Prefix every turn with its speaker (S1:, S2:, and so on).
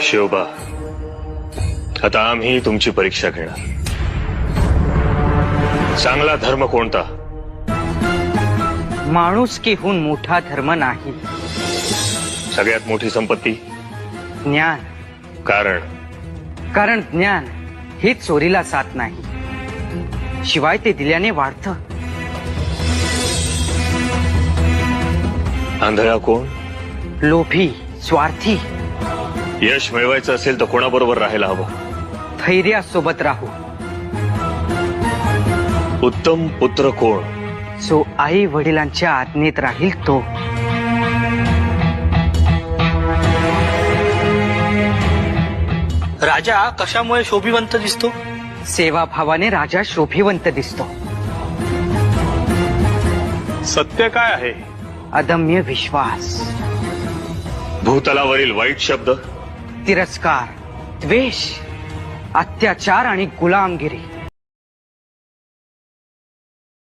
S1: शिवबा, आता आम्ही तुमची परीक्षा घेणार. चांगला धर्म कोणता?
S2: माणुसकीहून मोठा धर्म नाही.
S1: सगळ्यात मोठी संपत्ती?
S2: ज्ञान. कारण ज्ञान ही चोरीला जात नाही, शिवाय ते दिल्याने वाढतं.
S1: आंधळा कोण?
S2: लोभी, स्वार्थी.
S1: यश मिळवायचं असेल तर कोणाबरोबर राहायला हवं?
S2: धैर्यासोबत राहू.
S1: उत्तम पुत्र कोण?
S2: जो आई वडिलांच्या आज्ञेत राहील तो.
S3: राजा कशामुळे शोभिवंत दिसतो?
S2: सेवाभावाने राजा शोभिवंत दिसतो.
S1: सत्य काय आहे?
S2: अदम्य विश्वास,
S1: भूतलावरील वाईट शब्द,
S2: तिरस्कार, द्वेष, अत्याचार आणि गुलामगिरी